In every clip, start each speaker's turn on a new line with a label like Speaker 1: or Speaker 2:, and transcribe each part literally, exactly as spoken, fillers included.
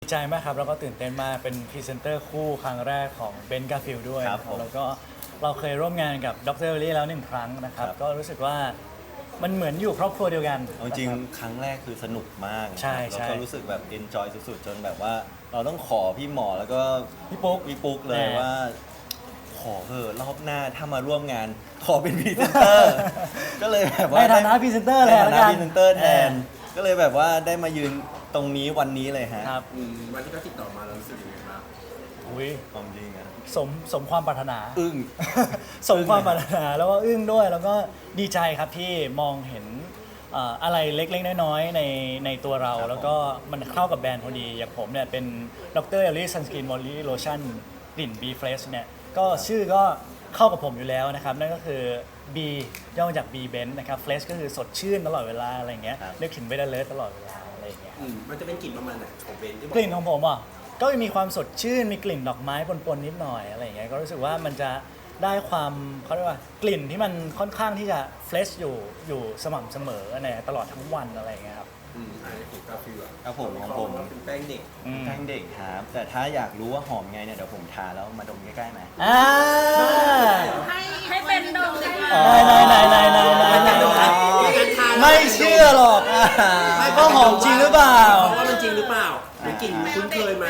Speaker 1: ใจมากครับแล้วก็ตื่นเต้นมากเป็นพรีเซนเตอร์คู่ครั้งแรกของเบนกาฟิลด้วย
Speaker 2: ครับ
Speaker 1: นะ
Speaker 2: ผม
Speaker 1: แล้วก็เราเคยร่วมงานกับดรเอลลี่แล้วหนึ่งครั้งนะครับ
Speaker 2: ครับ
Speaker 1: ก็รู้สึกว่ามันเหมือนอยู่ครอบครัวเดียวกัน
Speaker 2: เอาจริง
Speaker 1: นะคบ
Speaker 2: ครั้งแรกคือสนุกมาก
Speaker 1: ใช่
Speaker 2: แล้ว
Speaker 1: ใช่
Speaker 2: ก็รู้สึกแบบ enjoy สุดๆ จนแบบว่าเราต้องขอพี่หมอแล้วก็
Speaker 1: พี่ปุ๊ก
Speaker 2: พี่ปุ๊กเลย
Speaker 1: แน่
Speaker 2: ว่า ขอเถอะรอบหน้าถ้ามาร่วมงานขอเป็นพรีเซนเตอร์ ก็เลยแบบว่า
Speaker 1: ในฐานะพรีเซนเตอร์
Speaker 2: ใน
Speaker 1: เลย
Speaker 2: ฐา
Speaker 1: แล้ว
Speaker 2: นะ
Speaker 1: กัน
Speaker 2: พรีเซนเตอร์แทน ก็เลยแบบว่าได้มายืนตรงนี้วันนี้เลยฮะ
Speaker 1: ครับ
Speaker 3: อืมวันที่เขาติดต่อมาเรารู้สึกยังไงบ้าง
Speaker 1: อุ้ย
Speaker 2: ความจริงอะ
Speaker 1: สมสมความปรารถนา
Speaker 2: อึ้ง
Speaker 1: สมความปรารถนาแล้วก็อึ้งด้วยแล้วก็ดีใจครับที่มองเห็นเอ่ออะไรเล็กๆ น้อยๆในในตัวเรา
Speaker 2: ครับ
Speaker 1: แล้วก็มันเข้ากับแบรนด์พอดี อย่างผมเนี่ยเป็นดรเอลลี่ซันสกินมอลลี่โลชั่นกลิ่น B Fresh เนี่ยก็ชื่อก็เข้ากับผมอยู่แล้วนะครับ นั่นก็คือ B ย่อมาจาก B Benz นะครับ Fresh ก็คือสดชื่นตลอดเวลาอะไรอย่างเงี้ย
Speaker 2: ครับ
Speaker 1: นึกถึงเบดเลิร์ตลอดเวลาอะไรอย่างเงี้ย
Speaker 3: อืมมันจะเป็นกลิ่นประมาณไหนของเบนที่บอก
Speaker 1: กลิ่นของผมอ่ะก็มีความสดชื่นมีกลิ่นดอกไม้ปนๆนิดหน่อยอะไรอย่างเงี้ยก็รู้สึกว่ามันจะได้ความเขาเรียกว่ากลิ่นที่มันค่อนข้างที่จะเฟรชอยู่อยู่สม่ำเสมอเนี่ยตลอดทั้งวันอะไรอย่างเงี้ยครับ
Speaker 3: อืมอันนี้ของกาฟิลอะ
Speaker 2: ครับผมของผม
Speaker 3: เป็นแป้งเด็ก
Speaker 1: อืม
Speaker 2: แป้งเด็กครับ แต่ถ้าอยากรู้ว่าหอมไงเนี่ยเดี๋ยวผมทาแล้วมาดมใกล้ๆไหม
Speaker 1: อ่า
Speaker 4: ให้ให้เป็นดงเลยค่ะ
Speaker 2: อ๋อ
Speaker 1: ไหนไหนไหนไหนไหนไหนไม่เชื่อหรอกก็หอมจริงหรือเปล่า
Speaker 3: เพราะว่ามันจริงหรือเปล่าเป็นกลิ่นคุ้นเคยไหม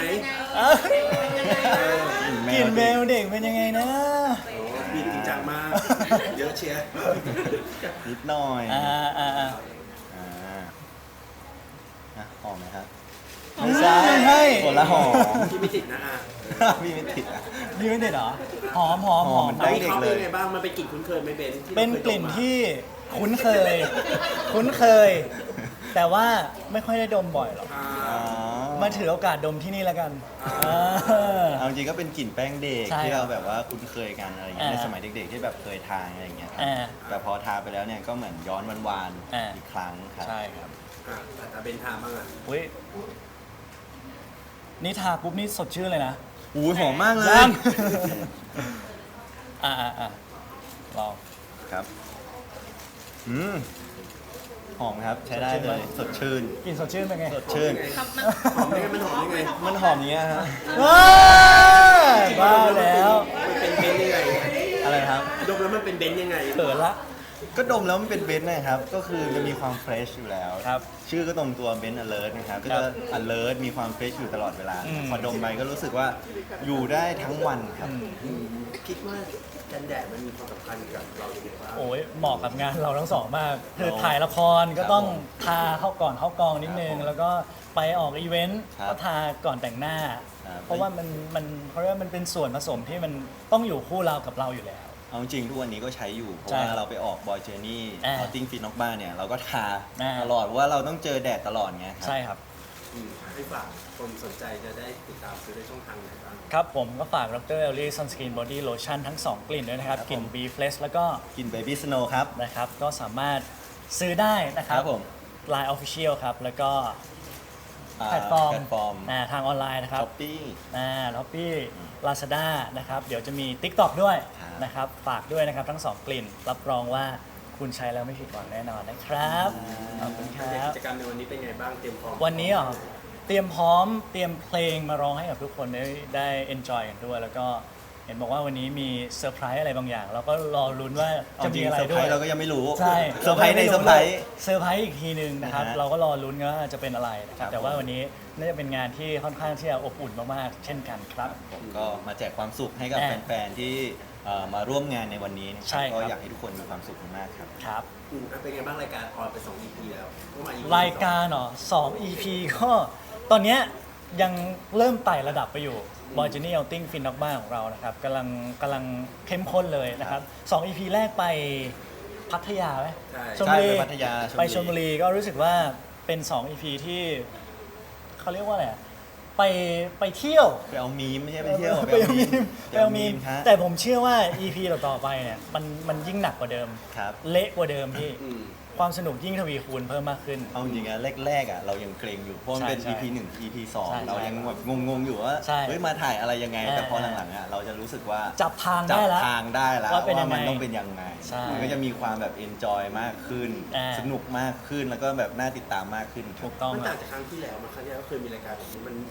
Speaker 1: กลิ่นเบลเด็กเป็นยังไงนะ
Speaker 3: โอ้บีบจริงจังมาก เยอะเชียร์
Speaker 2: นิดหน่อย
Speaker 1: อ่าอ่าอ่า
Speaker 2: อ่าอ่ะหอมไหมครับ
Speaker 1: ไม่ใช่ไม่ใช่
Speaker 2: คนละหอม
Speaker 3: ที่ไม่ติดนะอ่ะ
Speaker 2: พี่ไม่ติดอ่ะ
Speaker 1: นี่ไม่เด็ดเหรอหอมหอมหอม
Speaker 2: หอมมัน
Speaker 3: แล้ว
Speaker 2: ได้
Speaker 3: วิเคราะห์เป็นยังไงบ้างมันเป็นกลิ่นคุ้นเคยไหมเบนที่รา
Speaker 1: เป็น
Speaker 3: คย
Speaker 1: กลิ่น
Speaker 3: ดมมา
Speaker 1: ที่คุ้นเคย คุ้นเคย แต่ว่าไม่ค่อยได้ดมบ่อยหรอก
Speaker 3: อ่า
Speaker 2: อ๋อ
Speaker 1: มาถือโอกาสดมที่นี่แล้วกัน
Speaker 3: อ่า
Speaker 1: เออ
Speaker 2: เอาจริงก็เป็นกลิ่นแป้งเด็ก
Speaker 1: ใช่
Speaker 2: ที่เราแบบว่าคุ้นเคยกันอะไรอย่างเงี้ย
Speaker 1: อ่า
Speaker 2: ในสมัยเด็กๆที่แบบเคยทานอะไรอย่างเงี้ยครับ
Speaker 1: อ่า
Speaker 2: แต่พอทาไปแล้วเนี่ยก็เหมือนย้อนวาน
Speaker 1: อ่า
Speaker 2: ๆอีกครั้งครับ
Speaker 1: ใช่ครับ
Speaker 3: อ่ะแต่ถ้าเบนทาบ้างอ่ะ
Speaker 1: อุ้ยนี่ทาปุ๊บนี่สดชื่นเลยนะ
Speaker 2: อู้หอมมากเล
Speaker 1: ยั
Speaker 2: ย
Speaker 1: ง อ่าอ่าอ่าลอง
Speaker 2: ครับ อืมหอมครับ ใช้ได้เลย สดชื่น
Speaker 1: กลิ่นสดชื่นเป็นไง
Speaker 2: สดชื่น
Speaker 4: ครับมัน
Speaker 3: หอมยังไงมันหอมยังไง
Speaker 2: มันหอมอย่างเงี้ยฮะ
Speaker 1: ว้าบ้าแล้ว
Speaker 3: มันเป็นเบนยังไง
Speaker 2: อะไรครับ
Speaker 3: ดมแล้วมันเป็นเบนยังไง
Speaker 1: เปิดละ
Speaker 2: ก็ดมแล้วมันเป็นเบนซ์นะครับ ก็คือจะมีความเฟรชอยู่แล้ว
Speaker 1: ครับ
Speaker 2: ชื่อก็ตรงตัวเบนซ์ alert นะครับ ก็จะ alert มีความเฟรชอยู่ตลอดเวลา
Speaker 1: อืม
Speaker 2: พอดมไปก็รู้สึกว่าอยู่ได้ทั้งวันครับ
Speaker 3: อืมคิดว่ากันแดดมันมีความสำคัญกับเราอย่างไรบ้าง
Speaker 1: โอ้ยเหมาะกับงานเราทั้งสองมาก คือ
Speaker 2: เรา
Speaker 1: ถ่ายละครก็ต้อง
Speaker 2: ครับผม
Speaker 1: ทาเข้าก่อนเข้ากองนิดนึง
Speaker 2: ครับผม
Speaker 1: แล้วก็ไปออกอีเวนต์
Speaker 2: ครับ
Speaker 1: ก็ทาก่อนแต่งหน้า
Speaker 2: ครับ
Speaker 1: เพราะว่ามันมันเขาเรียกว่ามันเป็นส่วนผสมที่มันต้องอยู่คู่เรากับเราอยู่แล้ว
Speaker 2: เอาจริงทุกวันนี้ก็ใช้อยู่ เพราะ
Speaker 1: ใช่
Speaker 2: ว่าเราไปออกบอยเจอร์นี่
Speaker 1: อ่า
Speaker 2: ออติ้งฟินนอกบ้านเนี่ย เราก็ทา
Speaker 1: อ่า
Speaker 2: ตลอดเพราะว่าเราต้องเจอแดดตลอดไงครั
Speaker 1: ใช่ครับ
Speaker 3: อืมให้ฝากคนสนใจจะได้ติดตามซื้อได้ช่องทางไหนบ้าง
Speaker 1: ครับผมก็ฝากดรเอลลี่ซันสกินบอดี้โลชั่นทั้ง สอง กลิ่นด้วยนะครับ
Speaker 2: ครับ
Speaker 1: กลิ่น
Speaker 2: ผม
Speaker 1: B Fresh แล้วก็
Speaker 2: กินเบบี้สโนว์ครับ
Speaker 1: นะครับ ก็สามารถซื้อได้นะครับ
Speaker 2: ครับผม
Speaker 1: Line Official ครับ แล้วก็
Speaker 2: อ่า
Speaker 1: แพลตฟอร์ม
Speaker 2: แพลตฟอร์ม
Speaker 1: อ่าทางออนไลน์นะครับ
Speaker 2: ช้อปปี้
Speaker 1: อ่าล็อปปี้ลาซาด้านะครับ เดี๋ยวจะมี TikTok ด้วย
Speaker 2: ครับ
Speaker 1: นะครับ ฝากด้วยนะครับทั้ง สอง กลิ่น รับรองว่าคุณใช้แล้วไม่ผิดหวังแน่นอนนะครับ ขอบคุณค
Speaker 3: ใน
Speaker 1: รับ
Speaker 3: กิจกรรมในวันนี้เป็นไงบ้างเตรียมพร้อม
Speaker 1: วันนี้เหรอเตรียมพร้อมเตรียมเพลงมาร้องให้กับทุกคนได้ได้ enjoy กันด้วย แล้วก็เห็นบอกว่าวันนี้มีเซอร์ไพรส์อะไรบางอย่าง เราก็รอลุ้นว่า
Speaker 2: เอา
Speaker 1: จะ
Speaker 2: จริ
Speaker 1: มี
Speaker 2: ง
Speaker 1: อะไร
Speaker 2: เซอร์ไพ
Speaker 1: ด้
Speaker 2: ร
Speaker 1: วย
Speaker 2: ส์เราก็ยังไม่รู้
Speaker 1: ใช่
Speaker 2: เซอร์ไพรส์ในเซอร์ไพรส์
Speaker 1: เซอร์ไพรส์อีกทีหนึ่งนะครับ
Speaker 2: นะฮะ
Speaker 1: เราก็รอลุ้นว่าจะเป็นอะไรนะค
Speaker 2: ครั
Speaker 1: รับบ แต่ว่าวันนี้น่าจะเป็นงานที่ค่อนข้างที่จะอบอุ่นมากๆ เช่นกันครับ
Speaker 2: ผมก็มาแจกความสุขให้กับ
Speaker 1: อ่า
Speaker 2: แฟนๆที่เอ่อมาร่วมงานในวันนี้นะค
Speaker 1: ใช่
Speaker 2: รับ
Speaker 1: ครับ
Speaker 2: ก็อยากให้ทุกคนมีความสุขมากๆครับ
Speaker 1: ครับ
Speaker 3: อืมอ่ะเป็นไงบ้างรายการออนไปสอง อี พี แล้วก็มา อี พี
Speaker 1: รายการเหรอสอง อี พี ก็ตอนเนี้ยยังเริ่มไต่ระดับไปอยู่ b o y Journey Outing Fin นอกบ้านของเรานะครับกำลังกำลังเข้มข้นเลยนะครับสอง อี พี แรกไปพัทยาไหม
Speaker 3: ใช่
Speaker 1: ชลบุรี
Speaker 2: ใช่ไปพัทยาชลบุรี
Speaker 1: ไปชลบุรีก็รู้สึกว่าเป็นสอง อี พี ที่เขาเรียกว่าอะไรอะไปไปเที่ยว
Speaker 2: ไปเอามีมไม่ใช่ไปเที่ยว
Speaker 1: ไปเอามีมไปเอามีม
Speaker 2: ฮะ
Speaker 1: แต่ผมเชื่อว่า อี พี ต่อๆไปเนี่ยมันมันยิ่งหนักกว่าเดิม
Speaker 2: ครับ
Speaker 1: เละกว่าเดิมพี่
Speaker 3: อืม
Speaker 1: ความสนุกยิ่งทวีคูณเพิ่มมากขึ้น
Speaker 2: เอาจริงๆอะแรกๆอะเรายังเกรงอยู่เพราะมันเป็น
Speaker 1: ใช่
Speaker 2: อี พี หนึ่ง อี พี สอง
Speaker 1: ใช่
Speaker 2: เรายังแบบงงๆอยู่ว่า
Speaker 1: ใช่
Speaker 2: เฮ้ยมาถ่ายอะไรยังไง
Speaker 1: เออ
Speaker 2: แต่พอหลังๆอะเราจะรู้สึกว่า
Speaker 1: จับทาง
Speaker 2: จั
Speaker 1: ได้แล้ว
Speaker 2: ทางได้แล้ว
Speaker 1: ว่าเป็นยังไง
Speaker 2: มันต้องเป็นยังไง
Speaker 1: ใช่
Speaker 2: มันก็จะมีความแบบ enjoy มากขึ้น
Speaker 1: อ่า
Speaker 2: สนุกมากขึ้นแล้วก็แบบน่าติดตามมากขึ้นครั
Speaker 1: ถู
Speaker 2: บ
Speaker 1: กต้อง
Speaker 3: มัน
Speaker 1: ค
Speaker 3: ต่า
Speaker 1: รับ
Speaker 3: งจากครั้งที่แล้วมาครั้งที่แล้วเคยมีรายการแบบนี้มัน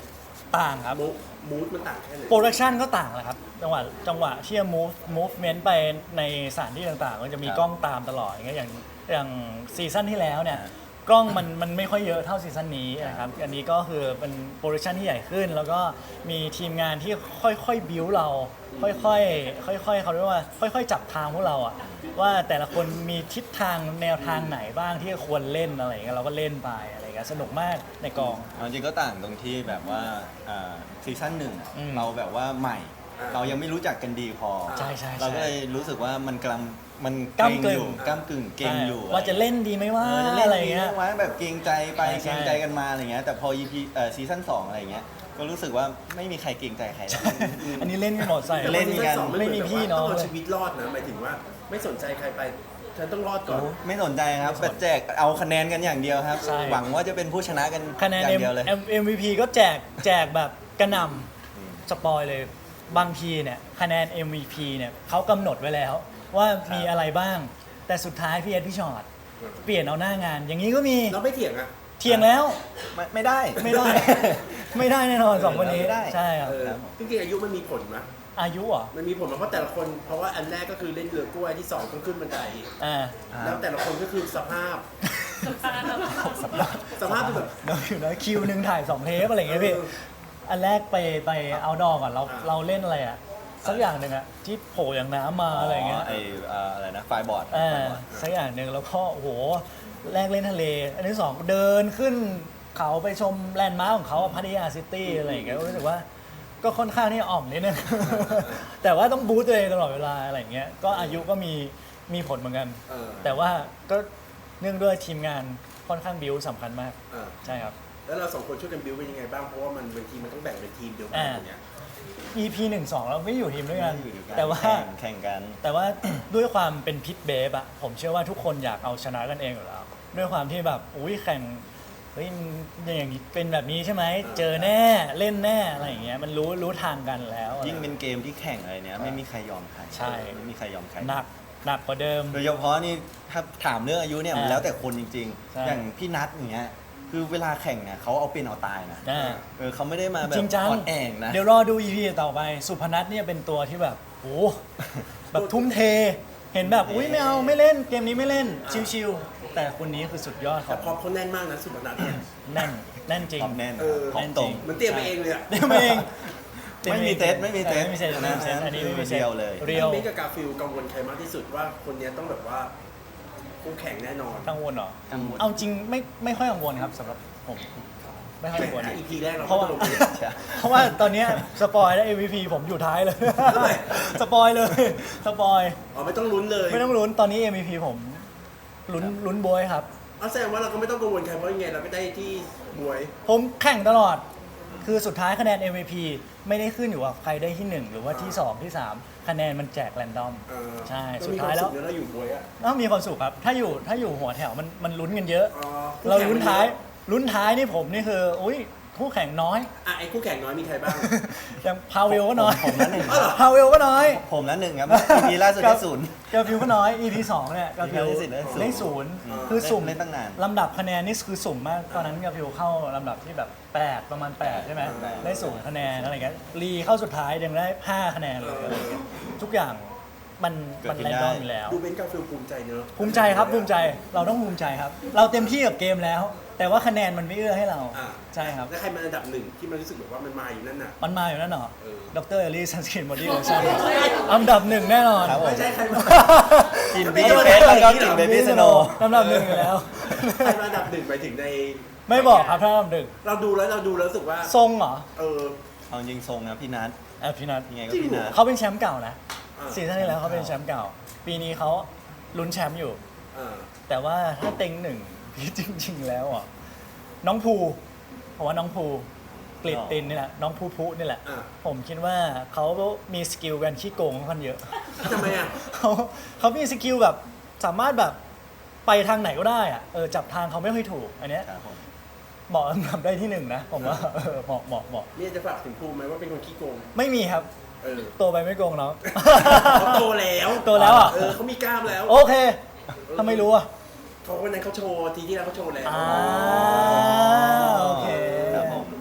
Speaker 1: ต่างครับ
Speaker 3: มูฟมูดมันต่างแค่ไหน
Speaker 1: โปรดักชันก็ต่างแหละครับจังหวะจังหวะที่จะ move movement ไปในสถานที่ต่างๆก็จะมี
Speaker 2: ครับ
Speaker 1: กล้องตามตลอดอย่างเงี้ยอย่างอย่างซีซั่นที่แล้วเนี่ยกล้องมันมันไม่ค่อยเยอะเท่าซีซั่นนี้นะครับอันนี้ก็คือเป็นโปรดักชันที่ใหญ่ขึ้น แล้วก็มีทีมงานที่ค่อยๆบิวเรา ค่อยๆค่อยๆเขาเรียกว่าค่อยๆจับทางพวกเราอะว่าแต่ละคนมีทิศทางแนวทางไหนบ้างที่ควรเล่นอะไรอย่างเงี้ยเราก็เล่นไปอะไรอย่างเงี้ยสนุกมากในกอง
Speaker 2: เอาจริงก็ต่างตรงที่แบบว่าอ่าซีซั่นหนึ่ง
Speaker 1: อืม
Speaker 2: เราแบบว่าใหม่
Speaker 3: อ่า
Speaker 2: เรายังไม่รู้จักกันดีพอ
Speaker 1: ใช่ใช่ใช่
Speaker 2: เราก็เลยรู้สึกว่ามันกำลังมัน
Speaker 1: ก้ำกึ่ง
Speaker 2: อยู่ก้ามกึ่งเก่งอยู่
Speaker 1: ว่าจะเล่นดีไหมว่า
Speaker 2: เออจะเล่น
Speaker 1: อะไร
Speaker 2: ดี
Speaker 1: เงี้ย
Speaker 2: ไหมว่าแบบเกรงใจไป
Speaker 1: ใช่ใช่
Speaker 2: เกรงใจกันมาอะไรเงี้ยแต่พอ อี พี เอ่อซีซั่นสองอะไรเงี้ยก็รู้สึกว่าไม่มีใครเกรงใจใครแล้ว
Speaker 1: อันนี้เล่นกันหมดใส่
Speaker 2: เล่นกัน
Speaker 3: แต่ว่าซีซั่สอง
Speaker 1: ไม่มีพี่น้อง
Speaker 3: ต้องเอา
Speaker 1: เลย
Speaker 3: ชีวิตรอดนะหมายถึงว่าไม่สนใจใครไปฉันต้องรอดก่อน
Speaker 2: ไม่สนใจครับแต่แจกเอาคะแนนกันอย่างเดียวครับ
Speaker 1: ใช่
Speaker 2: หวังว่าจะเป็นผู้ชนะกัน
Speaker 1: คะแนน
Speaker 2: อย่างเดียวเลย
Speaker 1: เอ็มวีพีก็แจกแจกแบบกระหน่ำสปอยเลยบางทีเนี่ยคะแนน เอ็ม วี พี เนี่ยเขากำหนดไว้แล้ว ว่ามีอะไรบ้าง แต่สุดท้ายพี่เอ็ดพี่ชอตเปลี่ยนเอาหน้างาน อย่างนี้ก็มี
Speaker 3: เราไม่เถียงอ่ะ
Speaker 1: เทียงแล้ว
Speaker 2: ไม่ไม่ได้
Speaker 1: ไม่ได้ ไม่ได้แน่นอนสองคนนี้
Speaker 2: ไม่ได้
Speaker 1: ใช่ครับ
Speaker 3: เออ
Speaker 2: ครับ
Speaker 3: จริงๆอายุมันมีผลไหม
Speaker 1: อายุเหรอ
Speaker 3: มันมีผลไหมเพราะแต่ละคนเพราะว่าอันแรกก็คือเล่นเรือกล้วยที่สองต้องขึ้นบันได
Speaker 1: อ่า
Speaker 3: แล้วแต่ละคนก็คือสภาพ สภาพคือแบบ
Speaker 1: เราอยู่นะคิวหนึ่งถ่ายสองเทปอะไรอย่างเงี้ยพี่
Speaker 3: เออ
Speaker 1: อันแรกไปไปเอาดอก่อนเรา
Speaker 3: อ่า
Speaker 1: เราเล่นอะไรอะสักอย่างหนึ่งอะที่โผล่อย่างน้ำมาอะไรอย่างเงี้ย
Speaker 2: ไอเอ่ออะไรนะไฟบอร์ด
Speaker 1: เออสักอย่างหนึ่งแล้วก็โอ้โหแรกเล่นทะเล อันที่สองเดินขึ้นเขาไปชมแลนด์มาร์คของเขาอะพัทยาซิตี้อะไรอย่างเงี้ยรู้สึกว่าก็ค่อนข้างที่อ่อมนิดนึง แต่ว่าต้องบูสต์ตัวเองตลอดเวลาอะไรอย่างเงี้ยก็อายุก็มีมีผลเหมือนกัน
Speaker 3: เออ
Speaker 1: แต่ว่าก็เนื่องด้วยทีมงานค่อนข้างบิวสำคัญมาก
Speaker 3: เออ
Speaker 1: ใช่ครับ
Speaker 3: แล้วเราสองคนช่วยกันบิวเป็นยังไงบ้างเพราะว่ามันบางทีมันต้องแบ่งเป็นทีมเดียวกัน
Speaker 1: อ่า
Speaker 3: อย่างเงี้ย
Speaker 1: อี พี หนึ่ง สองเราไม่อยู่ทีมด้วยกัน
Speaker 2: อยู่ด้วยกัน
Speaker 1: แต่ว่า
Speaker 2: แข่งแข่งกัน
Speaker 1: แต่ว่า ด้วยความเป็นพิษเบฟอะผมเชื่อว่าทุกคนอยากเอาชนะกันเองอยู่แล้วด้วยความที่แบบอุ้ยแข่งเฮ้ยมันอย่างนี้เป็นแบบนี้ใช่ไหมเจอแน่เล่นแน่อะไรอย่างเงี้ยมันรู้รู้ทางกันแล้ว
Speaker 2: ยิ่งเป็นเกมที่แข่งอะไรเนี้ยไม่มีใครยอมใคร
Speaker 1: ใช่
Speaker 2: ไม่มีใครยอมใคร
Speaker 1: หนักหนักกว่าเดิม
Speaker 2: โดยเฉพาะนี่ถ้าถามเรื่องอายุเนี่ยมัน
Speaker 1: อ่า
Speaker 2: แล้วแต่คนจริง
Speaker 1: ใช่
Speaker 2: ๆ อย่างพี่นัทอย่างเงี้ยคือเวลาแข่งเนี่ยเขาเอาเป็นเอาตายนะ
Speaker 1: อ่า
Speaker 2: เออเขาไม่ได้มาแบบ
Speaker 1: จริงจัง
Speaker 2: อ่อนแองนะ
Speaker 1: เดี๋ยวรอดู อี พี ต่อไป สุพนัทเนี่ยเป็นตัวที่แบบโอ้แบบทุ่มเท เห็นแบบอุ้ยไม่เอาไม่เล่นเกมนี้ไม่เล่นชิวๆแต่คนนี้คือสุดยอดข
Speaker 3: แต่
Speaker 1: อง
Speaker 3: พอเขาแน่นมากนะสุพนัทเนี่ย
Speaker 1: แน่นแน่นจริง
Speaker 2: ความแน่น
Speaker 3: เออ
Speaker 2: ของตรง
Speaker 3: มันเตรียมไปเองเลยอะ
Speaker 1: เตรียมเอง
Speaker 2: ไม่มีเซตไม่มีเซต
Speaker 1: ไม่มีเซตไม่มีเซตอันนี้ไม่มีเซต
Speaker 2: เรียวเลย
Speaker 1: เรียว
Speaker 3: เบนกับกาฟิลกังวลใครมากที่สุดว่าคนเนี้ยต้องแบบว่าคู่แข่งแน่นอน
Speaker 1: กังวลเหรอ
Speaker 2: กังวล
Speaker 1: เอาจริงไม่ไม่ค่อยกังวลครับสำหรับผมไม่ค่อยกังวล
Speaker 3: อีพีแรกเรา
Speaker 1: เพราะว่า
Speaker 3: ก็ลงไป
Speaker 1: เพราะว่าตอนเนี้ยสปอยแล้ว เอ็ม วี พี ผมอยู่ท้ายเลย
Speaker 3: ทำไม
Speaker 1: สปอยเลย สปอย
Speaker 3: อ๋อไม่ต้องลุ้นเลย
Speaker 1: ไม่ต้องลุ้นตอนนี้ เอ็ม วี พี ผมลุ้นลุ้นบวยครับ
Speaker 3: เอาแสดงว่าเราก็ไม่ต้องกังวลใครเพราะยังไงเราก็ได้ที่บวย
Speaker 1: ผมแข่งตลอด คือสุดท้ายคะแนน เอ็ม วี พี ไม่ได้ขึ้นอยู่กับใครได้ที่หนึ่งหรือว่าที่สองที่สามคะแนนมันแจกแรนดอม
Speaker 3: เออ
Speaker 1: ใช่
Speaker 3: เร
Speaker 1: สุด
Speaker 3: มี
Speaker 1: ท้ายแล้ว
Speaker 3: คมสุขเนอะเราอยู่บวยอะ
Speaker 1: ต้องมีความสุขครับ ถ้าอยู่ถ้าอยู่หัวแถวมันมันลุ้นกันเยอะ
Speaker 3: อ๋อ
Speaker 1: เราลุ้นท้ายลุ้นท้ายนี่ผมนี่คือ อุ้ยคู่แข่งน้อย
Speaker 3: อ่ะไอ้คู่แข่งน้อยมีใครบ้าง
Speaker 1: อย่างพาเวลก็น้อย
Speaker 2: ผมนั้นหนึ่ง
Speaker 3: อ๋อเหรอ
Speaker 1: พาเวลก็น้อย
Speaker 2: ผมนั้นหนึ่งครับอีพีล่าสุดได้ศูนย์
Speaker 1: กาฟิวก็น้อย อี พี สองเนี่ยกาฟิว
Speaker 2: อี พี ได้ศูนย์
Speaker 1: ได้ศูนย์
Speaker 3: อืม
Speaker 1: คือสุ่ม
Speaker 2: เล่นตั้งนาน
Speaker 1: ลำดับคะแนนนี่คือสุ่มมาก ตอนนั้นกาฟิวเข้าลำดับที่แบบแปดประมาณแปดใช่ไหม
Speaker 3: แปด
Speaker 1: ได้ศูนย์คะแนนอะไรเงี้ยรีเข้าสุดท้ายยังได้ห้าคะแนนเลยอะไรเงี้ยทุกอย่างมัน
Speaker 2: เกิด
Speaker 1: มัน
Speaker 2: ขึ้น
Speaker 1: แรน
Speaker 2: ได้
Speaker 1: ดอมอยู่แล้ว
Speaker 3: ดูเบนกาฟิลภูมิใจเนอะ
Speaker 1: ภูมิใจครับภูมิใจเราต้องภูมิใจครับ เราเต็มที่กับเกมแล้ว แต่ว่าคะแนนมันไม่เอื้อให้เรา
Speaker 3: อ่ะ
Speaker 1: ใช่ครับ
Speaker 3: แล้วใครมาอันดับหนึ่งที่มันรู้สึกแบบว่ามันมาอยู่นั่นน่ะ
Speaker 1: มันมาอยู่นั่นเหรอ
Speaker 3: เออ
Speaker 1: ดรเอลลี่ซันสกินบอดี้โลชั่นอันดับหนึ่งแน่นอน
Speaker 2: ครับผม
Speaker 3: ไม่ใช่ใครมา
Speaker 2: กินบีเฟสแล้วก็กินเบบี้สโน
Speaker 1: ลำดับหนึ่งอยู่แล้ว
Speaker 3: ใครมาอันดับหนึ่งไปถึงใน
Speaker 1: ไม่บอกครับถ้าลำดับหนึ่ง
Speaker 3: เราดูแล้วเราดูแล้วรู้สึกว่า
Speaker 1: ทรงเหรอ
Speaker 3: เออ
Speaker 2: เอาจริงทรงนะพี่นัท
Speaker 1: แอบพี่นัท
Speaker 2: ยังไงก็พี่นัท
Speaker 1: เขาเป็นแชมป์เก่านะ
Speaker 3: อ่า
Speaker 1: ซีซั่นที่แล้วเขาเป็นแชมป์เก่า ปีนี้เขาลุ้นแชมป์อยู่
Speaker 3: อ่า
Speaker 1: แต่ว่าถ้าเต็งหนึ่ง พี่จริง ๆ แล้วอ่ะน้องภูผมว่าน้องภูกลิดตินนี่แหละน้องภูภูนี่แหละ
Speaker 3: อ่า
Speaker 1: ผมคิดว่าเขามีสกิลกันขี้โกงค่อนข้างเยอะ
Speaker 3: ทำไมอ่ะ
Speaker 1: เขาเขามีสกิลแบบสามารถแบบไปทางไหนก็ได้อะเออจับทางเขาไม่ค่อยถูก อันเนี้ย
Speaker 2: ครับผม
Speaker 1: เหมาะทำได้ที่หนึ่งนะผมว่าเออเหมาะเหมาะเหมาะ
Speaker 3: นี่จะฝากถึงภูมิไหมว่าเป็นคนขี้โกง
Speaker 1: ไม่มีครับ
Speaker 3: เออ
Speaker 1: โตไปไม่โกงเนาะ
Speaker 3: เขาโตแล้ว
Speaker 1: โตแล้วอ่ะ
Speaker 3: เออเขามีกล้ามแล้ว
Speaker 1: โอเคทำไมรู้อ่ะ
Speaker 3: เขาวันนั้นเขาโชว์ทีที่แล้วเขาโชว์แล้ว
Speaker 1: อ่าโอเค
Speaker 2: ครับผม
Speaker 3: แต่เราก็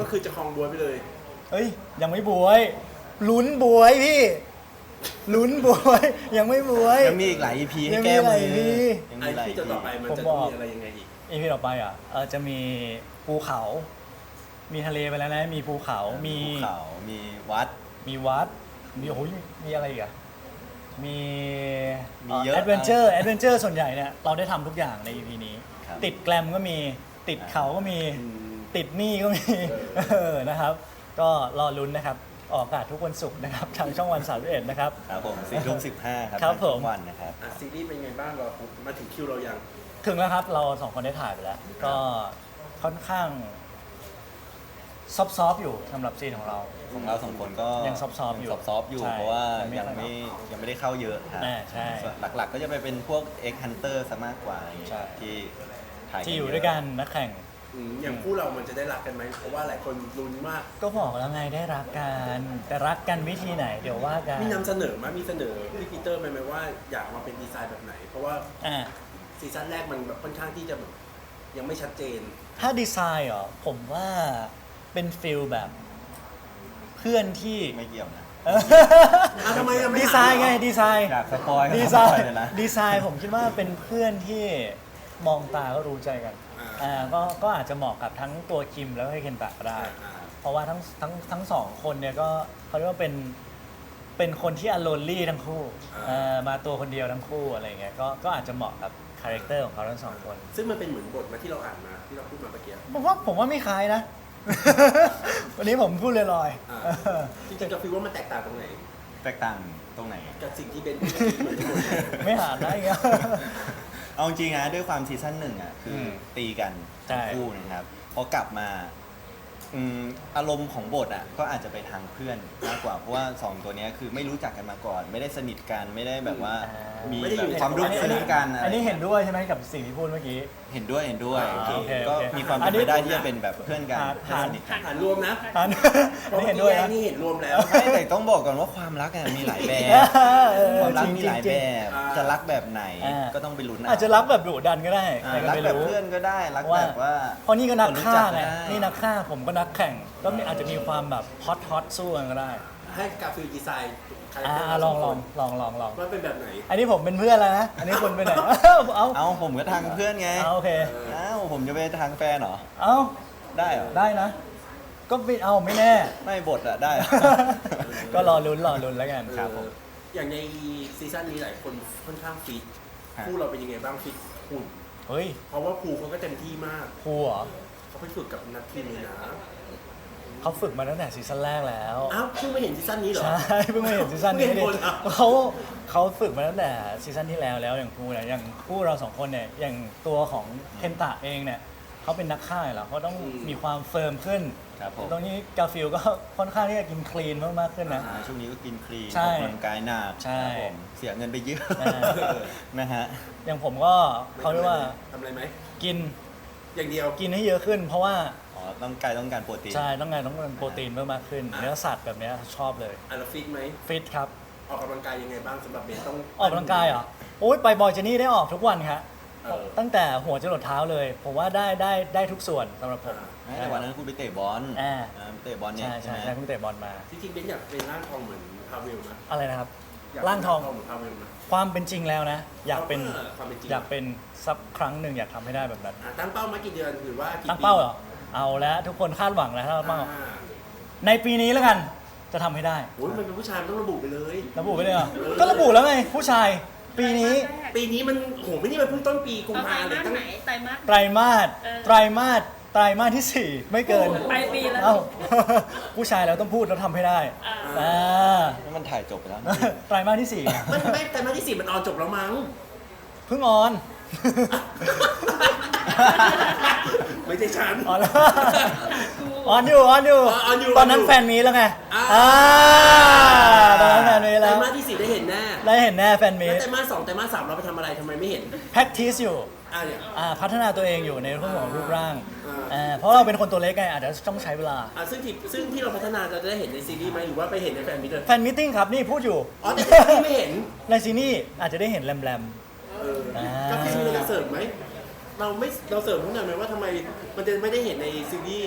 Speaker 3: คือจะคลองบัวไปเลย
Speaker 1: เอ้ยยังไม่บวยลุ้นบวยพี่ลุ้นบวยยังไม่บวย
Speaker 2: ยังมีอีกหลาย อี พี ให้
Speaker 1: ยังมี
Speaker 2: แก้มือ
Speaker 1: หลาย อี พี
Speaker 2: ยัง
Speaker 3: ไอ้
Speaker 2: มีหลาย
Speaker 3: ที่
Speaker 2: อี
Speaker 3: จะ
Speaker 2: พี
Speaker 3: ต่อไปมัน
Speaker 1: ผม
Speaker 3: จะ
Speaker 1: บ
Speaker 3: ต้
Speaker 1: อ
Speaker 3: อก งมีอะไรยังไงอีก
Speaker 1: อีพีต่อไปอ่ะเออจะมีภูเขา มีทะเลไปแล้วนะมีภูเขา มี
Speaker 2: ภูเขามีวัด
Speaker 1: มีวัดมีโอ้ยมีอะไรอีกอ่ะมี
Speaker 2: มีเยอะ
Speaker 1: แอดเวนเจอร์แอดเวนเจอร์ส่วนใหญ่เนี่ยเราได้ทำทุกอย่างใน อี พี นี้
Speaker 2: ครับ
Speaker 1: ติดแกลมก็มีติดเขาก็มี
Speaker 3: อืม
Speaker 1: ติดหนี้ก็มี
Speaker 3: เออ
Speaker 1: เออนะครับ ก็รอลุ้นนะครับ ออกอากาศทุกวันศุกร์นะครับ ทางช่องวันสามสิบเอ็ดนะครับ
Speaker 2: ครับผมสี่ทุ่มสิบห้าครับ
Speaker 1: ครับ
Speaker 2: ทาง
Speaker 1: ผ
Speaker 2: ช่
Speaker 1: ม
Speaker 2: องวันนะครับ
Speaker 3: อ่ะซีรีส์เป็นไงบ้างเรามาถึงคิวเรายัง
Speaker 1: ถึงแล้วครับ เราสองคนได้ถ่ายไปแล้ว ก็ค่อนข้างซอฟๆอยู่สำหรับซีนของเรา
Speaker 2: ของเราสองคนก็
Speaker 1: ยังซอฟๆอยู่
Speaker 2: ยังซอฟๆอยู่
Speaker 1: ใช่
Speaker 2: เพราะว่า
Speaker 1: ยังไม่
Speaker 2: ยังไม่ยังไม่ได้เข้าเยอะครับ
Speaker 1: อ่าใช่
Speaker 2: ส่วนหลักๆก็จะไปเป็นพวก X Hunter ซะมากกว่าอย่างเงี้ย
Speaker 1: ใช่
Speaker 2: ที่ถ่าย
Speaker 1: ที่อยู่
Speaker 2: เะ
Speaker 1: ด้วยกันนักแข่ง
Speaker 3: อืมอย่างคู่เรามันจะได้รักกันไหมเพราะว่าหลายคนลุ้นมาก
Speaker 1: ก็บอกแล้วไงได้รักกัน แต่รักกันวิธีไหน เดี๋ยวว่ากัน
Speaker 3: มีนำเสนอไหมมีเสนอพี่ปีเตอร์ไหมไหมว่าอยากมาเป็นดีไซน์แบบไหน เพราะว่า
Speaker 1: อ่า
Speaker 3: ซีซั่นแรกมันแบบค่อนข้างที่จะแบบยังไม่ชัดเจน
Speaker 1: ถ้าดีไซน์เหรอผมว่าเป็นฟิลแบบเพื่อนที่
Speaker 2: ไม่เกี่ยวนะ
Speaker 1: เออ
Speaker 3: อ่ะทำไมอ่ะไม่
Speaker 1: ดีไซน์ไง
Speaker 3: ถามเหรอ
Speaker 1: ดีไซน์
Speaker 2: อยากสปอยก็
Speaker 1: ดี
Speaker 2: ส
Speaker 1: ไซ
Speaker 2: ปอย
Speaker 1: น์
Speaker 2: เลยนะ
Speaker 1: ดีไซน์ผมคิดว่าเป็นเพื่อนที่มองตาก็รู้ใจกัน
Speaker 3: อ่า
Speaker 1: อ่าก็ก็อาจจะเหมาะกับทั้งตัวคิมแล้วก็เคนตะก็ได้
Speaker 3: อ่า
Speaker 1: เพราะว่าทั้งทั้งทั้งสองคนเนี่ยก็เขาเรียกว่าเป็นเป็นคนที่อโลนลี่ทั้งคู่เอ่อมาตัวคนเดียวทั้งคู่อะไรเงี้ยก็ก็อาจจะเหมาะกับคาแรคเตอร์ของเขาทั้งสองคน
Speaker 3: ซึ่งมันเป็นเหมือนบทมาที่เราอ่านมาที่เราพูดมาเมื่อกี้
Speaker 1: ผมว่าผมว่าไม่คล้ายนะ วันนี้ผมพูดลอย
Speaker 3: อ่า
Speaker 1: ๆเออ
Speaker 3: จริงๆก็ฟีลว่ามันแตกต่างตรงไหน
Speaker 2: แตกต่างตรงไหน
Speaker 3: กับสิ่งที่เป็นเมื่อกี้เหมือนกันหมดเลย
Speaker 1: ไม่หาได้เงี้ย
Speaker 2: เอาจริงๆนะด้วยความซีซั่นหนึ่งอ่ะคืออ
Speaker 1: ม
Speaker 2: ตีกัน
Speaker 1: ใช่
Speaker 2: ทั้งคู่นะครับพอกลับมาอืมอารมณ์ของบทอ่ะก็อาจจะไปทางเพื่อนมากกว่าเพราะว่าสองตัวเนี้ยคือไม่รู้จักกันมาก่อน ไม่ได้สนิทกันไม่ได้แบบว่า
Speaker 1: อ่ามี
Speaker 2: มี
Speaker 3: ไม่ได้อยู่
Speaker 2: แบบ
Speaker 3: ใน
Speaker 2: ความรู้
Speaker 1: อันนี้
Speaker 2: สึกกันอะไร
Speaker 1: อันนี้เห็นด้วยใช่ไหมกับสิ่งที่พูดเมื่อกี้
Speaker 2: เห็นด้วยเห็นด้วย
Speaker 3: อ่าโอเค
Speaker 2: ก็
Speaker 1: โอเค
Speaker 2: มีความ
Speaker 1: อั
Speaker 2: เป็น น
Speaker 1: นี้
Speaker 2: ไปได้ที่จะเป็นแบบเพื่อนกัน
Speaker 1: หา
Speaker 2: เพื่อนสนิทกัน
Speaker 3: อ่านรวมนะ
Speaker 1: อัน
Speaker 3: เพ
Speaker 1: อัน
Speaker 3: ราะ
Speaker 1: นี้
Speaker 3: เมื่อ
Speaker 1: เห็นด้วยนะ
Speaker 3: กี้นี่เห็นรวมแล้ว
Speaker 2: ไม่แต่ต้องบอกก่อนว่าความรักอะมีหลายแบบ
Speaker 1: เออ
Speaker 2: ความรัก
Speaker 1: จริง
Speaker 2: มีหลาย
Speaker 1: จริ
Speaker 2: แบ
Speaker 1: ง
Speaker 2: บ
Speaker 3: อ่า
Speaker 2: จะรักแบบไหน
Speaker 1: อ่า
Speaker 2: ก็ต้องไปลุ้นเ
Speaker 1: อาจจะรักแบบดุดันก็ได้
Speaker 2: อ่า
Speaker 1: ใครก็
Speaker 2: รัก
Speaker 1: ไม่
Speaker 2: แบบ
Speaker 1: รู้
Speaker 2: เพื่อนก็ได้รัก
Speaker 1: ว่า
Speaker 2: แบบว่า
Speaker 1: เพราะนี่ก็นักฆ่า
Speaker 2: ครู้จั
Speaker 1: ไง
Speaker 2: ได้
Speaker 1: นี่นักฆ่าผมก็นักแข่ง ก็มีอาจจะมีความแบบฮอตฮอตสู้กันก็ได้
Speaker 3: ให้กาฟิลดีไซน์คาแรค
Speaker 1: อ่า
Speaker 3: เตอร์
Speaker 1: ลองลองลองลองลอง
Speaker 3: ว่าเป็นแบบไหน
Speaker 1: อันนี้ผมเป็นเพื่อนแล้วนะ อันนี้คุณเป็นไหน เอา
Speaker 2: เอาผมก็ทางเพื่อนไง
Speaker 1: เอาโอเค
Speaker 2: เอ้าผมจะไปทางแฟนเหรอ
Speaker 1: เอา
Speaker 2: ได้เหรอ
Speaker 1: ได้นะ ก็ไม่เอาไม่แน่
Speaker 2: ไม่บทอะได้เหรอ
Speaker 1: ก็รอลุ้นรอลุ้นแล้วกัน
Speaker 2: ครับผม
Speaker 3: เอออย่างในซีซั่นนี้หลายคนค่อนข้างฟิต
Speaker 2: ฮะ
Speaker 3: คู่เราเป็นยังไงบ้างฟิตหุ่น
Speaker 1: เฮ้ย
Speaker 3: เพราะว่าครูเขาก็เต็มที่มาก
Speaker 1: ครูเหรอ
Speaker 3: เขาไปฝึกกับนักทีมเลยนะ
Speaker 1: เขาฝึกมาตั้งแต่ซีซั่นแรกแล้ว
Speaker 3: อ้าวเพิ่งไม่เห็นซีซั่นนี้เหรอ
Speaker 1: ใช่เพิ่งมาเห็นซีซั่นนี้
Speaker 3: เพิ่งเห็น
Speaker 1: ดิ
Speaker 3: คนอ่ะ
Speaker 1: เขาเขาฝึกมาตั้งแต่ซีซั่นที่แล้วแล้วอย่างครูเนี่ยอย่างคู่เราสองคนเนี่ยอย่างตัวของเคนตะเองเนี่ยเขาเป็นนักฆ่าอยู่แล้วเขาต้องมีความเฟิร์มขึ้น
Speaker 2: ครับผม
Speaker 1: ตรงนี้กาฟิลก็ค่อนข้างที่จะกินคลีนมากๆขึ้นนะ
Speaker 2: อ่าช่วงนี้ก็กินคลีน
Speaker 1: ใช่
Speaker 2: ออกกำลังกายหนัก
Speaker 1: ใช่
Speaker 2: ครับผมเสียเงินไปเยอะ
Speaker 1: อ่า
Speaker 2: นะฮะ
Speaker 1: อย่างผมก็เขาเรียกว่า
Speaker 3: ทำอะไรไหม
Speaker 1: กิน
Speaker 3: อย่างเดียว
Speaker 1: กินให้เยอะขึ้น เพราะว่า
Speaker 2: อ๋อต้องกายต้องการโปรตีน
Speaker 1: ใช่ต้องการต้องการโปรตีนเพิ่มมากขึ้น
Speaker 3: อ่า
Speaker 1: เนื้อสัตว์แบบเนี้ยชอบเลย
Speaker 3: อ่ะแล้วฟิตไหม
Speaker 1: ฟิตครับ
Speaker 3: ออกกำลังกายยังไงบ้างสำหรับเบนต้อง
Speaker 1: ออกกำลังกายเหรอโอ้ยไปบอยเจนี่ได้ออกทุกวันครับ
Speaker 3: เออ
Speaker 1: ตั้งแต่หัวจรดเท้าเลย ผมว่าได้ได้ได้ทุกส่วนสำหรับผม
Speaker 3: อ่า
Speaker 2: แต่วันนั้นคุณไปเตะบอล
Speaker 1: อ่า
Speaker 2: อ่าไปเตะบอลเนี่ย
Speaker 1: ใช่
Speaker 2: ใช่
Speaker 1: ใช่
Speaker 2: ไหม
Speaker 1: ใช่เพิ่งเตะบอลมา
Speaker 3: จริงๆเบนอยากเป็นร่างทองเหมือนพาเวลนะ
Speaker 1: อะไรนะครับ
Speaker 3: ยก
Speaker 1: ร่างทอง
Speaker 3: เหมือนพาเวลนะ
Speaker 1: ความเป็นจริงแล้วนะ อยากเป็น
Speaker 3: ออความเป็นจริง
Speaker 1: อยากเป็นสักครั้งหนึ่งอยากทำให้ได้แบบนั้น
Speaker 3: อ่ะตั้งเป้ามากี่เดือนหรือว่ากี่
Speaker 1: ตั้งเป้าเหรอเอาแล้วทุกคนคาดหวังแล้วถ้า
Speaker 3: ปี
Speaker 1: เราเป้า
Speaker 3: อ่า
Speaker 1: ในปีนี้แล้วกันจะทำให้ได้
Speaker 3: โอ้ยมันเป็นผู้ชายมันต้องระบุไปเลย
Speaker 1: ระบุไปเลยเหรอก็ระบุแล้วไงผู้ชายปีนี้
Speaker 3: ปีนี้มันโหไม่นี่มันเพิ่งต้นปีกุม
Speaker 4: เอาไตร
Speaker 3: ภาเลย
Speaker 4: มาส
Speaker 3: ตั้ง
Speaker 4: ไหนไตรมาส
Speaker 1: ไตรมาส
Speaker 4: เออ
Speaker 1: ไตรมาสไตรมาสที่สี่ไม่เกิน
Speaker 4: ปลายปีแล้ว
Speaker 1: เอ้า ผู้ชายเราต้องพูดแล้วทำให้ได้
Speaker 4: อ่า
Speaker 1: อ่า
Speaker 2: แล้วมันถ่ายจบไปแล้ว
Speaker 1: ไตรมาสที่สี่
Speaker 3: มันไม่แต่มาที่สี่มันออนจบแล้วมั้ง
Speaker 1: เพิ่งออน
Speaker 3: ไม่ใช่ฉัน
Speaker 1: ออนแล้วออนอยู่ออนอยู่
Speaker 3: ออนอยู่
Speaker 1: ตอนนั้น
Speaker 3: ออนอยู่
Speaker 1: แฟนมีแล้วไง
Speaker 3: อ่า
Speaker 1: อ่าตอนนั้นแฟนมี
Speaker 3: แต่
Speaker 1: แล้ว
Speaker 3: มาที่สี่ได้เห็นแน่
Speaker 1: ได้เห็นแน่แฟนมี
Speaker 3: แล้วแต่มาสองแต่มาสามเราไปทำอะไรทำไมไม่เห็น
Speaker 1: practice อยู่
Speaker 3: อ่ะเนี่ย
Speaker 1: อ่าพัฒนาตัวเองอยู่ในเรื่องของรูปร่าง
Speaker 3: อ่า
Speaker 1: อ่าเพราะเราเป็นคนตัวเล็กไงอาจจะต้องใช้เวลา
Speaker 3: อ่ะซึ่งที่ซึ่งที่เราพัฒนาจะได้เห็นในซีรีส์ไหมหรือว่าไปเห็นในแฟนมิตรเลย
Speaker 1: แฟนมิทติ้งครับนี่พูดอยู่
Speaker 3: อ๋อแต่ที่ไม่เห็น
Speaker 1: ในซีนี่อาจจะได้เห็นแรม
Speaker 3: เออ
Speaker 1: อ่า
Speaker 3: ก็คือเราจะเสริมไหมเราไม่เราเสริมทุกอย่างไหมว่าทำไมมันจะไม่ได้เห็นในซีรีส์
Speaker 1: ๆ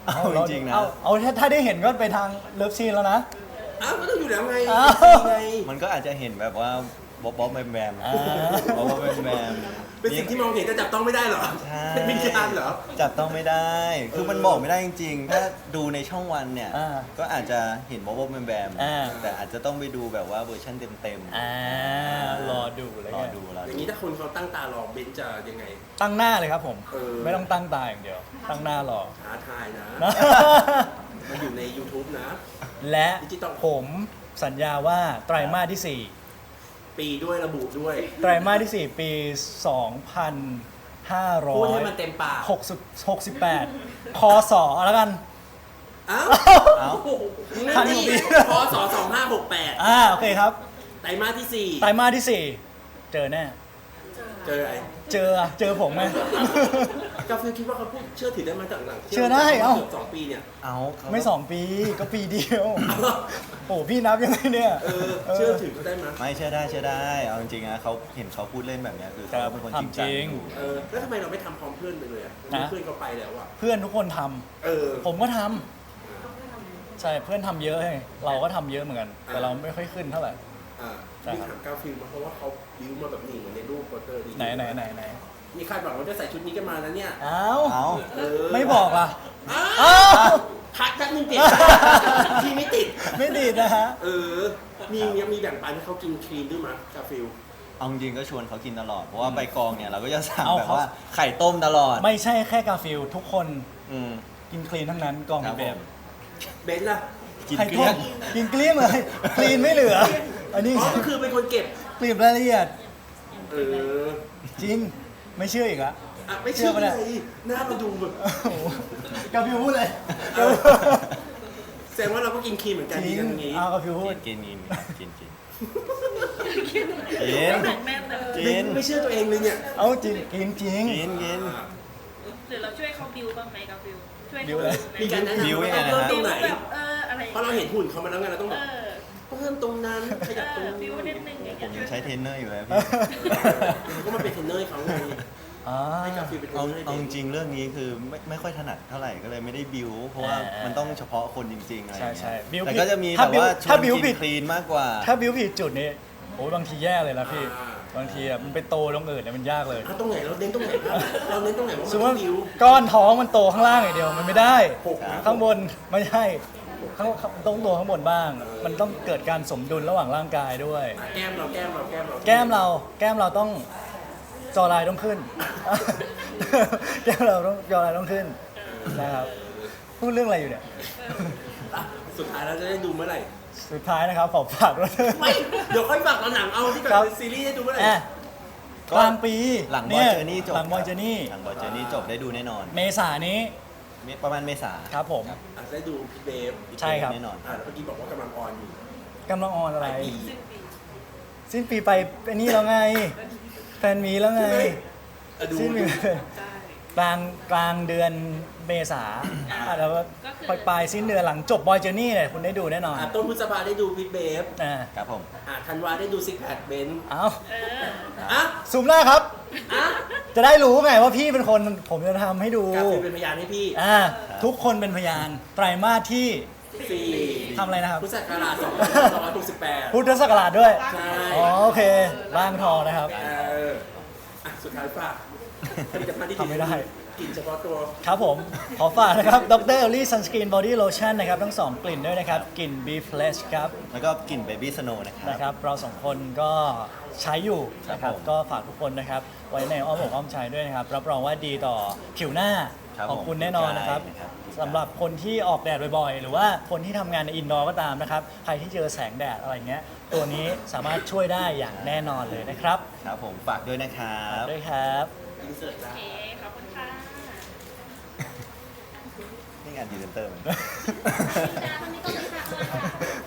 Speaker 2: เอาจริงๆนะ
Speaker 1: เอาเอาถ้าถ้าได้เห็นก็ไปทางเลิฟซีนแล้วนะ
Speaker 3: อ้าวก็ต้องอยู่แล้วไง
Speaker 1: อ้าว
Speaker 3: ไง
Speaker 2: มันก็อาจจะเห็นแบบว่าบ๊อบบ๊อบแบมแบม
Speaker 1: อ่า
Speaker 2: บ๊อบบ๊อบแบมแบม
Speaker 3: เป็นสิ่งที่มองเห็นแต่จับต้องไม่ได้เหรอ
Speaker 2: ใช่
Speaker 3: เป็นวิญญาณเหรอ
Speaker 2: จับต้องไม่ได้ คือมันบอกไม่ได้จริงๆ ถ้าดูในช่องวันเนี่ย
Speaker 1: อ่า
Speaker 2: ก็อาจจะเห็นบ๊อบบ๊อบแบมแบม
Speaker 1: อ่า
Speaker 2: แต่อาจจะต้องไปดูแบบว่าเวอร์ชันเต็ม
Speaker 1: อ่ารอดูเลย
Speaker 2: รอดูรอ
Speaker 3: อ
Speaker 2: ดู
Speaker 3: ย่างนี้ถ้าคนเขาตั้งตารอเบนซ์จะยังไง
Speaker 1: ตั้งหน้าเลยครับผม
Speaker 3: เออ
Speaker 1: ไม่ต้องตั้งตาอย่างเดียว ตั้งหน้ารอ
Speaker 3: ท้าทายนะ
Speaker 1: นะ
Speaker 3: มันอยู่ใน ยูทูบ นะ
Speaker 1: และ
Speaker 3: ดิจิตอล
Speaker 1: ผมสัญญาว่าไตรมาสที่สี่
Speaker 3: ปีด้วยระบุด้วย
Speaker 1: ไตรมาสที่ สี่ ปี สองพันห้าร้อย
Speaker 3: พูดให้มันเต็มปาก
Speaker 1: หกสิบหกสิบแปดคศแล้วกัน
Speaker 3: อ้าว
Speaker 2: เอ้า
Speaker 3: นั่นนี่พศสองห้าหกแปด
Speaker 1: อ่าโอเคครับ
Speaker 3: ไตรมาสที่สี่
Speaker 1: ไตรมาสที่สี่เจอแน่
Speaker 3: เจออะไร
Speaker 1: เจอเจอผมไหม
Speaker 3: กาฟิลคิดว่าเขาพูดเชื่อถือได้มาจากหลัง
Speaker 1: เชื่อได้เอ้า
Speaker 3: เกือบสองปีเนี่ย
Speaker 2: เอาเขา
Speaker 1: ไม่สองปีก็ปีเดียว โอ้พี่นับยังไงเนี่ย
Speaker 3: เออเชื่อถือเขาได้ไหม
Speaker 2: ไม่เชื่อได้เชื่อได้ เอาจริงๆนะเขาเห็นเขาพูดเล่นแบบเนี้ยคือเขา
Speaker 1: ครับ
Speaker 2: เป็นคนจริงจัง
Speaker 1: ทำจริง
Speaker 2: อยู่
Speaker 3: เออแล้วทำไมเราไม่ทำพร้อมเพื่อนไปเลยอ่ะ
Speaker 1: นะ
Speaker 3: เพื่อนเขาไปแล้วอ่ะ
Speaker 1: เพื่อนทุกคนทำ
Speaker 3: เออ
Speaker 1: ผมก็ทำใช่เพื่อนทำเยอะไงเราก็ทำเยอะเหมือนกัน แต่เราไม่ค่อยขึ้นเท่าไหร่
Speaker 3: อ่า
Speaker 1: ใช่
Speaker 3: มี
Speaker 1: ครับ
Speaker 3: ถามกาฟิลมาเพราะว่าเขาบิวมาแบบนี้เหมือนในรูปโปสเตอร์ดี
Speaker 1: ไหนไหนไหนไหน
Speaker 3: มีคาดหวังว่าจะใส่ชุดนี้กันมานะเนี่ย
Speaker 1: อ้าว
Speaker 2: เอา
Speaker 3: เออ
Speaker 1: ไม่บอกล่ะ
Speaker 3: อ้า
Speaker 1: อ้าว ว
Speaker 3: พักแป๊บนึงเปลี่ยนที่ไม่ติด
Speaker 1: ไม่ดีดนะฮะ
Speaker 3: เออ มียังมีแบ่งปันให้เขากินครีมด้วยมั้ยกาฟิล
Speaker 2: เอาจริงๆก็ชวนเขากินตลอด เพราะว่าไปกองเนี่ยเราก็จะสั่ง
Speaker 1: เอา
Speaker 2: แบบ
Speaker 1: เขา
Speaker 2: ว่าไข่ต้มตลอด
Speaker 1: ไม่ใช่แค่กาฟิลทุกคน
Speaker 2: อืม
Speaker 1: กินคลีนทั้งนั้นกอง
Speaker 2: ครับ
Speaker 1: เบ
Speaker 2: ผม
Speaker 1: ม
Speaker 3: เบนซ์ล่ะ
Speaker 2: กิน
Speaker 1: ไข่
Speaker 2: เก
Speaker 1: ต้
Speaker 2: ลี้ย
Speaker 1: ม
Speaker 2: ง
Speaker 1: กินเกลี้ยงเลยคลีนไม่เหลือ อันนี้
Speaker 3: อ๋อก็คือเป็นคนเก็บ
Speaker 1: กลีบรายละเอียด
Speaker 3: เออ
Speaker 1: จริงไม่เชื่ออีกละ
Speaker 3: อ่ะไม่เชื่อ
Speaker 1: เชื่อปะ
Speaker 3: เล
Speaker 1: เนี่ย
Speaker 3: ยหน้ามาดูแบบ
Speaker 1: โอ้โหกาฟิวพูดเลย
Speaker 3: เออ แสดงว่าเราก็กินครีมเหมือนกัน
Speaker 1: จ
Speaker 3: ดี
Speaker 1: ริง
Speaker 3: กันอย่างงี้
Speaker 1: เอากาฟิวพูด
Speaker 2: กินกินกินกิน
Speaker 4: กิน
Speaker 2: กิน
Speaker 4: หนักแน่นเลย
Speaker 2: กิ
Speaker 3: ไม่
Speaker 2: น
Speaker 3: ไม่เชื่อตัวเองเลยเนี่ย
Speaker 1: เอาจริงกินจริง
Speaker 2: กินกิน
Speaker 3: อ่า
Speaker 4: หรือเราช่วยเขาบิวบ้างไหมกับบิวช่วย
Speaker 1: บิ
Speaker 4: เขา
Speaker 1: วอะไร
Speaker 3: มีการแนะนำ
Speaker 2: บิว
Speaker 3: ว่า
Speaker 2: ยังไง
Speaker 3: ต้อง
Speaker 2: นะ
Speaker 3: เพิ่มตรงไหน
Speaker 4: แบบเอออะไร
Speaker 3: เพราะเราเห็นหุ่นเขามาแล้วไงเราต้อง
Speaker 4: เอ
Speaker 3: แบบ
Speaker 4: อ
Speaker 3: เพิ่มตรงนั้นขยับตรง
Speaker 4: เออบิ
Speaker 3: นี้
Speaker 4: วนิดนึงอย่าง
Speaker 2: ผม
Speaker 4: เงี้
Speaker 2: ยัง
Speaker 4: ย
Speaker 2: ใช้เทรนเนอร์อยู่เลยพี่
Speaker 3: เขาก็มาเป็นเทรนเนอร์ให้เขาไง
Speaker 1: อ่า
Speaker 3: ให้กาฟิลเป็นเทร
Speaker 2: เอา
Speaker 3: นเนอร์ให้
Speaker 2: เอา
Speaker 3: เบ
Speaker 2: จ
Speaker 3: นซ์
Speaker 2: ริงๆเรื่องนี้คือไม่ไม่ค่อยถนัดเท่าไหร่ก็เลยไม่ได้บิวเพราะว่า
Speaker 1: อ่ามั
Speaker 2: มันต้องเฉพาะคนจริงๆอะไรอย่าง
Speaker 1: ใช่
Speaker 2: เงี้ย
Speaker 1: ใช่บิว
Speaker 2: แต่
Speaker 1: ผิด
Speaker 2: ก็จะมี
Speaker 1: ถ้า
Speaker 2: แบบ
Speaker 1: บิว
Speaker 2: ว่าช
Speaker 1: ถ้า
Speaker 2: วน
Speaker 1: บิว
Speaker 2: กิ
Speaker 1: ผิ
Speaker 2: น
Speaker 1: ด
Speaker 2: คลีนมากกว่า
Speaker 1: ถ้าบิวผิดจุดนี้โอ้ยบางทีแย่เลยนะพี่ บางทีอ่ะมันไปโตตรงอื่นเนี่ยมันยากเลย
Speaker 3: อ่ะตรงไหนเราเน้นตรงไหนครับเราเน้นตรงไหนว่า
Speaker 1: สมม
Speaker 3: มัน
Speaker 1: ติ
Speaker 3: ต้องบิว
Speaker 1: ก้อนท้องมันโตข้างล่างอย่างเดียวมันไม่ได้
Speaker 3: หกนะ
Speaker 1: ข้างบนไม่ใช่ข้างต้องโตข้างบนบ้าง มันต้องเกิดการสมดุลระหว่างร่างกายด้วย
Speaker 3: อ่ะแก้มเราแก้มเราแก้มเรา
Speaker 1: แก้มเราแก้มเราต้องจอลายต้องขึ้น แก้มเราต้องจอลายต้องขึ้นนะครับพูดเรื่องอะไรอยู่เนี่ย
Speaker 3: อ่ะสุดท้ายเราจะได้ดูเมื่อไหร่
Speaker 1: สุดท้ายนะครับขอฝากด้วย
Speaker 3: ไม่ เดี๋ยวค่อยฝากตอนหนังเอาที่แบบ
Speaker 1: ครับ
Speaker 3: เป็นซีรีส์ให้ดูเมื่อไหร่
Speaker 1: อ่ะกลางปี
Speaker 2: หลังบ
Speaker 1: นี่
Speaker 2: อย เจอร์นี่จบ
Speaker 1: หลังบอยเจอร์นี่
Speaker 2: หลังบอยเจอร์นี่จบได้ดูแน่นอน
Speaker 1: เมษานี้
Speaker 2: ประมาณเมษา
Speaker 1: ครับผม
Speaker 3: อ่ะได้ดูพี่เบฟ
Speaker 1: ใช่ครับ
Speaker 2: แน่นอน
Speaker 3: อ่ะแล้วเมื่อกี้บอกว่ากำลังออนอยู่
Speaker 1: กำลังออนอะไร
Speaker 3: ปลายปี
Speaker 1: สิ้นปีไปไอ้นี่แล้วไง แฟนมีแล้วไง
Speaker 3: อ่ะดู
Speaker 1: สิ้นปี
Speaker 4: ใช่
Speaker 1: กลางกลางเดือนเมษาอ่ะแล้วก็ปลายปลายสิ้นเดือนหลังจบบอยเจอร์นี่เลยคุณได้ดูแน่นอน
Speaker 3: อ่ะต้นพฤษภาได้ดูพี่เบฟ
Speaker 1: อ่า
Speaker 2: ครับผม
Speaker 3: อ่ะธันวาได้ดูซิกแพคเบนซ์
Speaker 1: เอา
Speaker 4: เออ
Speaker 3: อ่ะ
Speaker 1: ซูมหน้าครับ
Speaker 3: อ่ะ
Speaker 1: จะได้รู้ไงว่าพี่เป็นคนผมจะทำให้ดู
Speaker 3: กาฟิลเป็นพยานให้พี่
Speaker 1: อ่าทุกคนเป็นพยานไตรมาสที่
Speaker 3: สี่
Speaker 1: ทำอะไรนะครับ
Speaker 3: พุทธศักราชสองพันห้าร้อยหกสิบแปด
Speaker 1: พุทธศักราชด้วย
Speaker 3: ใช่
Speaker 1: อ๋อโอเคร่างทองนะครับ
Speaker 3: เอออ่ะสุดท้ายฝากผลิตภัณฑ์ที่
Speaker 1: ทำไม่ได้
Speaker 3: กินเฉพาะตัว
Speaker 1: ครับผม ขอฝากนะครับดรเอลลี่ซันสกรีนบอดี้โลชั่นนะครับ ทั้งสองกลิ่นด้วยนะครับ กลิ่น Be Fresh ครับ
Speaker 2: แล้วก็กลิ่นเบบี้สโนว์นะครับ
Speaker 1: นะครับ เราสองคนก็ใช้อยู่นะครับ
Speaker 2: ผม
Speaker 1: ก็ฝากทุกคนนะครับ ไว้ในอ้อมอกอ้อมใจด้วยนะครับ รับรองว่าดีต่อผิวหน้า
Speaker 2: ครับ
Speaker 1: ของคุณแน่นอนนะครับ
Speaker 2: ผม
Speaker 1: สำหรับคนที่ออกแดดบ่อยๆ หรือว่าคนที่ทำงานในอินดอร์ก็ตามนะครับ ใครที่เจอแสงแดดอะไรเงี้ย ตัวนี้สามารถช่วยได้อย่างแน่นอนเลยนะครับ
Speaker 2: ครับผมฝากด้วยนะครับ
Speaker 1: ด้วยครับ
Speaker 3: อินเสิร์ต
Speaker 4: โอ
Speaker 3: แล้ว
Speaker 4: เคขอบคุณค่ะ
Speaker 2: นี่งานพรีเซนเตอร์มัน
Speaker 4: วันนี้ก็เลยค่ะ